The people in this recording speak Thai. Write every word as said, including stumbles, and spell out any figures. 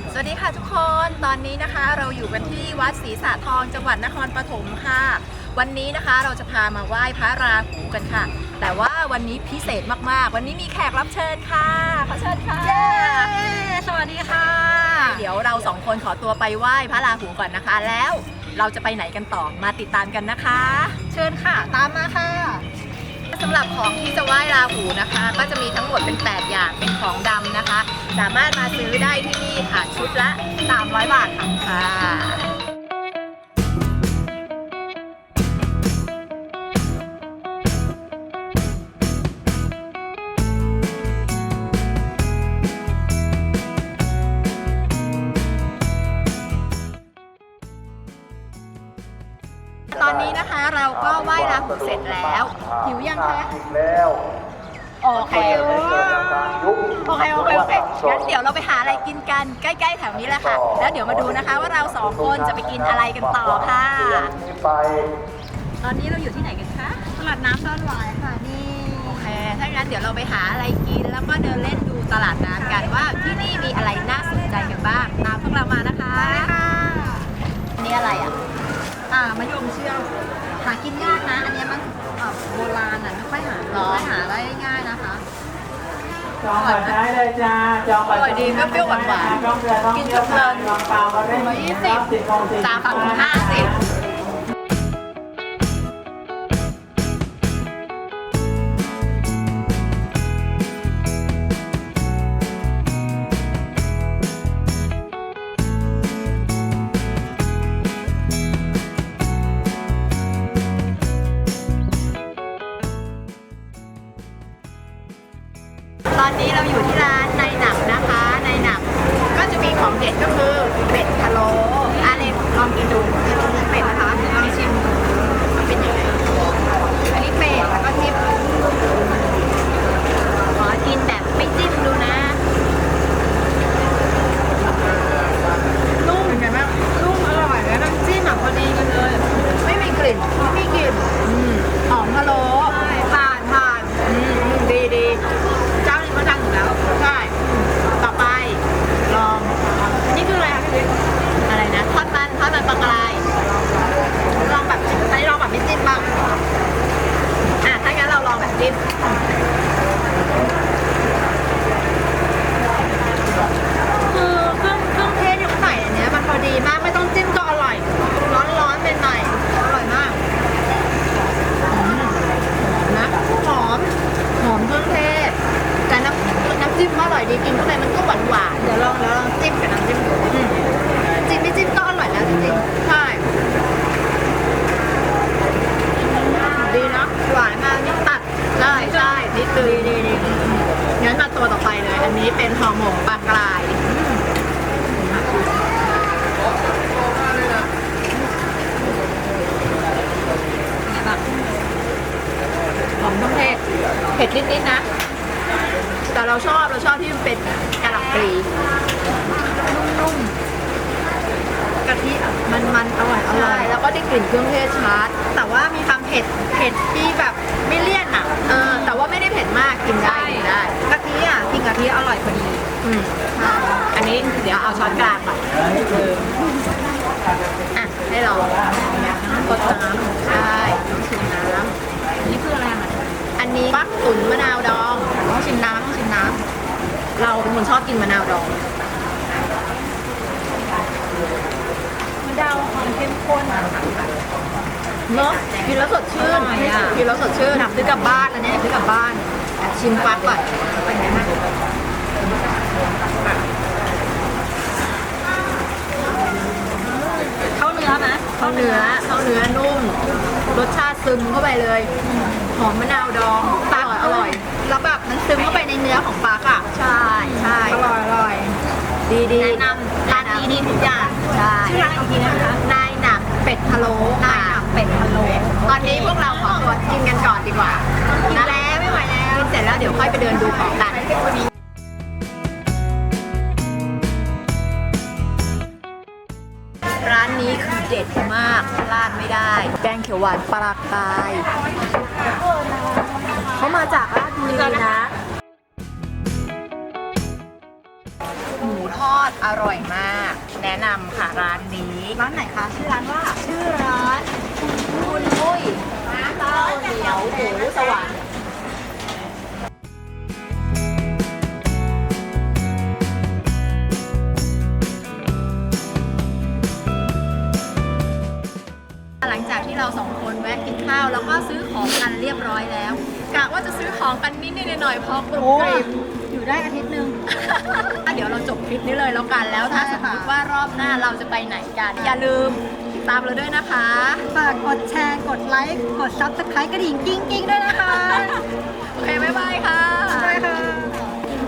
สวัสดีค่ะทุกคน ตอนนี้นะคะเราอยู่กันที่วัดศรีสะทองจังหวัดนครปฐมค่ะวันนี้นะคะเราจะพามาไหว้พระราหูกันค่ะแต่ว่าวันนี้พิเศษมากๆวันนี้มีแขกรับเชิญค่ะขอเชิญค่ะสวัสดีค่ะเดี๋ยวเราสองคนขอตัวไปไหว้พระราหูก่อนนะคะแล้วเราจะไปไหนกันต่อมาติดตามกันนะคะเชิญค่ะตามมาค่ะสำหรับของที่จะไหว้ราหูนะคะก็จะมีทั้งหมดเป็นแปดอย่างเป็นของดำนะคะสามารถมาซื้อได้ที่นี่ค่ะชุดละสามร้อยบาทค่ะตอนนี้นะคะเราก็ไหว้ราหูเสร็จแล้วหิวยังคะโอเคโอเคโอเคโอเคโอเคงั้นเดี๋ยวเราไปหาอะไรกินกันใกล้ๆแถวนี้แหละค่ะแล้วเดี๋ยวมาดูนะคะว่าเราสองคนจะไปกินอะไรกันต่อค่ะตอนนี้เราอยู่ที่ไหนกันคะตลาดน้ำซ่อนหวายค่ะนี่โอเคถ้างั้นเดี๋ยวเราไปหาอะไรกินแล้วก็เดินเล่นดูตลาดน้ำกันว่าที่นี่มีอะไรน่าสนใจกันบ้างตามพวกเรามานะคะอันนี้อะไรอ่ะอ่ามะยมเชื่อมหากินยากนะอันนี้มันโบราณอ่ะไม่ค่อยหาไม่ค่อยหาได้ง่ายนะคะจองบัตรได้เลยจ้าจองบัตรอร่อยดีก็เปรี้ยวหวานหวานกินเพลินร้อยยี่สิบสามถุงห้าสิบตอนนี้เราอยู่ที่ร้านในหนักนะคะในหนักก็จะมีของเด็ดก็คือเป็ดพะโล้อาเล็กลองกินดูเป็ดนะคะลองชิมมันเป็นยังไงอันนี้เป็ดแล้วก็ทิมขอกินแบบไม่จิ้มดูนะนุ่มเป็นไงบ้างนุ่มอร่อยแล้วน้ำจิ้มพอดีกันเลยไม่มีกลิ่นไม่มีกลิ่นหอมพะโล้ผ่านผ่านดีดีเจ้านี้เขาดังอยู่แล้วใช่ต่อไปลองนี่คืออะไรคะพี่บิ๊กอะไรนะทอดมันทอดมันปลากรายลองแบบอันนี้ลองแบบไม่จิ้มบ้างอ่ะถ้างั้นเราลองแบบจิ้มคือเครื่องเครื่องเทศที่เขาใส่อันเนี้ยมันพอดีมากไม่ต้องจิ้มก็อร่อยร้อนร้อนเป็นหน่อยอร่อยมากนะหอมหอมเครื่องเทศแต่น้ำน้ำจิ้มอร่อยดีกินข้างในมันก็หวานหวานเดี๋ยวลองเดี๋ยวลองจิ้มกับน้ำจิ้มดูจิ้มไม่จิ้มก็อร่อยแล้วจริงๆใช่ดีนะหวานมากนิดตัดใช่ใช่นิดตื่นดีดีงั้นมาตัวต่อไปเลยอันนี้เป็นห่อหมกปลากรายหอมเครื่องเทศเผ็ดนิดๆนะแต่เราชอบเราชอบที่มันเป็นกะหล่ำปลีนุ่มๆกะทิมันมันอร่อยอร่อยแล้วก็ได้กลิ่นเครื่องเทศชัดแต่ว่ามีความเผ็ดเผ็ดที่แบบไม่เลี่ยนอ่ะเออแต่ว่าไม่ได้เผ็ดมากกินได้กินได้กะทิอ่ะกินกะทิอร่อยพอดีอืมอันนี้เดี๋ยวเอาช้อนกลางมาอ่ะให้เรากดน้ำใช่ต้องชิมน้ำนี่คืออะไรอ่ะอันนี้ฟักตุ๋นมะนาวดองต้องชิมน้ำต้องชิมน้ำเราเป็นคนชอบกินมะนาวดองมะนาวความเข้มข้นเนาะกินแล้วสดชื่นกินแล้วสดชื่นซื้อกลับบ้านอันนี้ซื้อกลับบ้านชิมฟักก่อนเป็นไงบ้างเข้าเนื้อไหมเข้าเนื้อเข้าเนื้อนุ่มรสชาติซึมเข้าไปเลยหอมมะนาวดองอร่อยอร่อยแล้วแบบมันซึมเข้าไปในเนื้อของปลาค่ะใช่ใช่อร่อยอร่อยดีดีแนะนำร้านนี้ดีทุกอย่างใช่ชื่อร้านอีกทีนะคะนายหนักเป็ดพะโล้นายหนักเป็ดพะโล้ตอนนี้พวกเราขอตัวกินกันก่อนดีกว่ากินแล้วไม่ไหวแล้วกินเสร็จแล้วเดี๋ยวค่อยไปเดินดูของกันร้านนี้คือเด็ดมากพลาดไม่ได้แกงเขียวหวานปลากรายเขามาจากราชบุรีนะหมูทอดอร่อยมาก แนะนำค่ะร้านนี้ ร้านไหนคะชื่อร้านว่า ชื่อร้านคุณมุ้ยน้ำเต้าเหนียวหมูสวรรค์หลังจากที่เราสองคนแวะกินข้าวแล้วก็ซื้อของกันเรียบร้อยแล้วกะว่าจะซื้อของกันนิดนิดหน่อยๆพอกรุบกริบอยู่ได้อาทิตย์หนึ่ง เดี๋ยวเราจบคลิปนี้เลยแล้วกันแล้วถ้าสมมติว่ารอบหน้าเราจะไปไหนกัน อย่าลืมติดตามเราด้วยนะคะฝากกดแชร์ กดไลค์ กดซับสไครต์กระดิ่งกิ้งกิ้งด้วยนะคะโอเค บ๊ายบายค่ะ